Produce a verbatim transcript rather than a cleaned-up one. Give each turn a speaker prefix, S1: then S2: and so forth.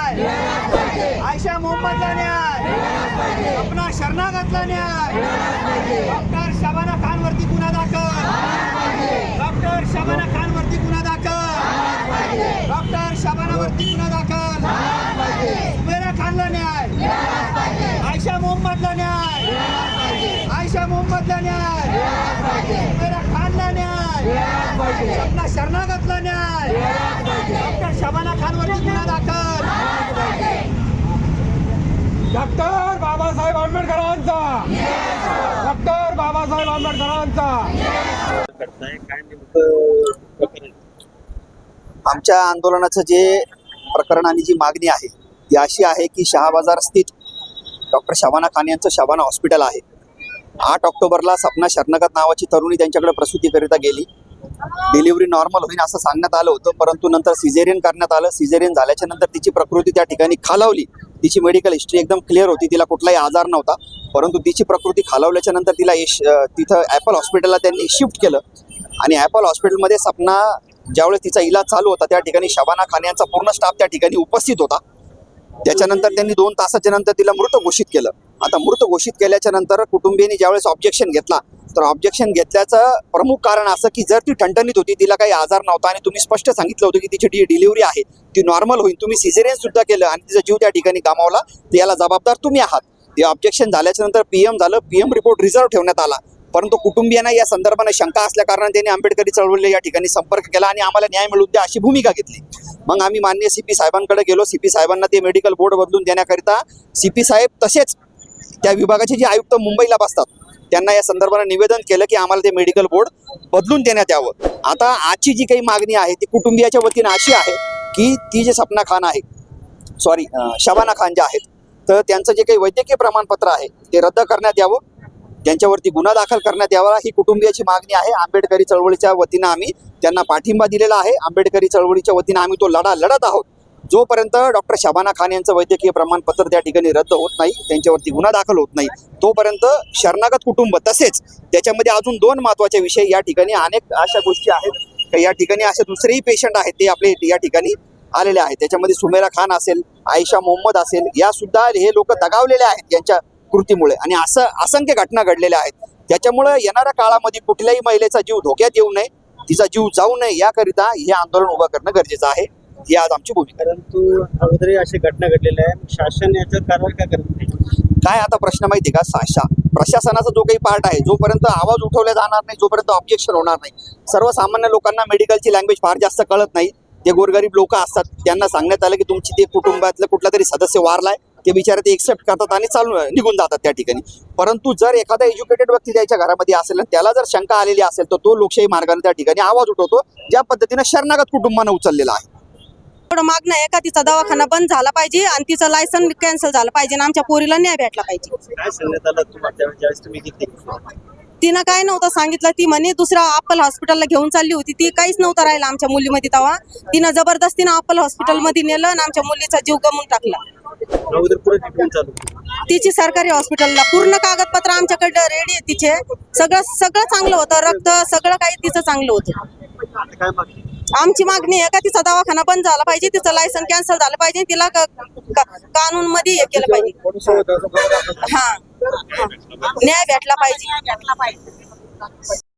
S1: न्याय, आयशा मोहम्मदला न्याय, अपना शरणागतला न्याय, डॉक्टर शबाना खानवरती गुन्हा दाखल, डॉक्टर शबाना खानवरती गुन्हा दाखल, डॉक्टर शबानावरती गुन्हा दाखल, सुमेरा खानला न्याय, आयशा मोहम्मदला न्याय, आयशा मोहम्मदला न्याय, सुमेरा खानला न्याय, अपना शरणागतला न्याय, डॉक्टर शबाना खानवरती गुन्हा दाखल,
S2: डॉक्टर बाबासाहेब आंबेडकरांचा, डॉक्टर बाबासाहेब आंबेडकरांचा।
S3: आमच्या आंदोलनाचं जे प्रकरण आणि जी मागणी आहे ती अशी आहे की शहाबाजार स्थित डॉक्टर शबाना खान यांचं शबाना हॉस्पिटल आहे। आठ ऑक्टोबरला सपना शरणागत नावाची तरुणी त्यांच्याकडे प्रसूतीकरिता गेली। डिलिव्हरी नॉर्मल होईल असं सांगण्यात आलं होतं, परंतु नंतर सिझेरियन करण्यात आलं। सिझेरियन झाल्याच्या नंतर तिची प्रकृती त्या ठिकाणी खालावली। तिची मेडिकल हिस्ट्री एकदम क्लिअर होती, तिला कुठलाही आजार नव्हता, परंतु तिची प्रकृती खालावल्याच्या नंतर तिला तिथं ॲपल हॉस्पिटलला त्यांनी शिफ्ट केलं आणि ॲपल हॉस्पिटलमध्ये सपना ज्यावेळेस तिचा इलाज चालू होता त्या ठिकाणी शबाना खान यांचा पूर्ण स्टाफ त्या ठिकाणी उपस्थित होता। त्याच्यानंतर त्यांनी दोन तासाच्या नंतर तिला मृत घोषित केलं। आता मृत घोषित केल्याच्या नंतर कुटुंबियांनी ज्यावेळेस ऑब्जेक्शन घेतला तर ऑब्जेक्शन घेतल्याचं प्रमुख कारण असं की जर ती ठणठणीत होती, तिला काही आजार नव्हता आणि तुम्ही स्पष्ट सांगितलं होतं की तिची डी डिलिव्हरी आहे ती नॉर्मल होईल, तुम्ही सिझेरियन सुद्धा केलं आणि तिचा जीव त्या ठिकाणी गमावला, तर याला जबाबदार तुम्ही आहात। ते ऑब्जेक्शन झाल्याच्या नंतर पीएम झालं, पीएम रिपोर्ट रिझर्व्ह ठेवण्यात आला, परंतु कुटुंबियांना या संदर्भाने शंका असल्या कारणाने त्यांनी आंबेडकरी चळवळीला या ठिकाणी संपर्क केला आणि आम्हाला न्याय मिळवून द्या अशी भूमिका घेतली। मग आम्ही माननीय सीपी साहेबांकडे गेलो। सीपी साहेबांना ते मेडिकल बोर्ड बदलून देण्याकरिता सीपी साहेब तसेच त्या विभागाचे जे आयुक्त मुंबईला बसतात त्यांना या संदर्भाने निवेदन केलं की आम्हाला ते मेडिकल बोर्ड बदलून देण्यात यावं। आता आजची जी काही मागणी आहे ती कुटुंबियाच्या वतीनं अशी आहे की ती जे सपना खान आहे सॉरी शबाना खान जे आहेत तर त्यांचं जे काही वैद्यकीय प्रमाणपत्र आहे ते रद्द करण्यात यावं, त्यांच्यावरती गुन्हा दाखल करण्यात यावा ही कुटुंबियाची मागणी आहे। आंबेडकरी चळवळीच्या वतीनं आम्ही त्यांना पाठिंबा दिलेला आहे। आंबेडकरी चळवळीच्या वतीनं आम्ही तो लढा लढत आहोत। जोपर्यंत डॉक्टर शबाना खान यांचं वैद्यकीय प्रमाणपत्र त्या ठिकाणी रद्द होत नाही, त्यांच्यावरती गुन्हा दाखल होत नाही, तोपर्यंत शरणागत कुटुंब तसेच त्याच्यामध्ये अजून दोन महत्त्वाचे विषय या ठिकाणी अनेक अशा गोष्टी आहेत की या ठिकाणी असे दुसरेही पेशंट आहेत ते आपले या ठिकाणी आलेले आहेत। त्याच्यामध्ये सुमेरा खान असेल, आयशा मोहम्मद असेल, या सुद्धा हे लोक दगावलेले आहेत यांच्या कृतीमुळे आणि असं असंख्य घटना घडलेल्या आहेत। त्याच्यामुळे येणाऱ्या काळामध्ये कुठल्याही महिलेचा जीव धोक्यात येऊ नये, तिचा जीव जाऊ नये याकरिता हे आंदोलन उभं करणं गरजेचं आहे, ही आज आमची भूमिका।
S4: परंतु अगोदरही अशी घटना घडलेल्या आहे, शासन याच्यावर कारवाई का करत नाही?
S3: काय आता प्रश्न माहिती का, साशा प्रशासनाचा जो काही पार्ट आहे जोपर्यंत आवाज उठवला जाणार नाही, जोपर्यंत ऑब्जेक्शन होणार नाही, सर्वसामान्य लोकांना मेडिकलची लँग्वेज फार जास्त कळत नाही, ते गोरगरीब लोक असतात, त्यांना सांगण्यात आलं की तुमची ते कुटुंबातलं कुठला तरी सदस्य वारलाय, ते बिचारे ते एक्सेप्ट करतात आणि चालू निघून जातात त्या ठिकाणी। परंतु जर एखादा एज्युकेटेड व्यक्ती त्याच्या घरामध्ये असेल आणि त्याला जर शंका आलेली असेल तर तो लोकशाही मार्गाने त्या ठिकाणी आवाज उठवतो, ज्या पद्धतीने शरणागत कुटुंबानं उचललेला आहे।
S5: मागणं आहे का तिचा दवाखाना बंद झाला पाहिजे आणि तिचं लायसन कॅन्सल झालं पाहिजे आणि आमच्या पोरीला न्याय भेटला पाहिजे।
S4: काय सांगण्यात आलं तुम्हाला ज्यावेळेस तुम्ही घेतली?
S5: तिनं काय नव्हतं सांगितलं, ती म्हणे दुसऱ्या अप्पल हॉस्पिटलला घेऊन चालली होती, ती काहीच नव्हतं राहिलं आमच्या मुलीमध्ये तेव्हा। तिनं जबरदस्तीनं अप्पल हॉस्पिटलमध्ये नेलं आणि आमच्या मुलीचा जीव गमवून टाकला।
S4: अगोदर पुढे ट्रीटमेंट चालू
S5: तिची सरकारी हॉस्पिटलला पूर्ण कागदपत्र आमच्याकडे रेडी आहे, तिचे सगळं सगळं चांगलं होतं, रक्त सगळं काही तिचं चांगलं होतं।
S4: आता काय मागणी?
S5: आमची मागणी आहे का तिचा दवाखाना बंद झाला पाहिजे, तिचं लायसन कॅन्सल झालं पाहिजे, तिला कानून मध्ये हे केलं पाहिजे, हा न्याय भेटला पाहिजे।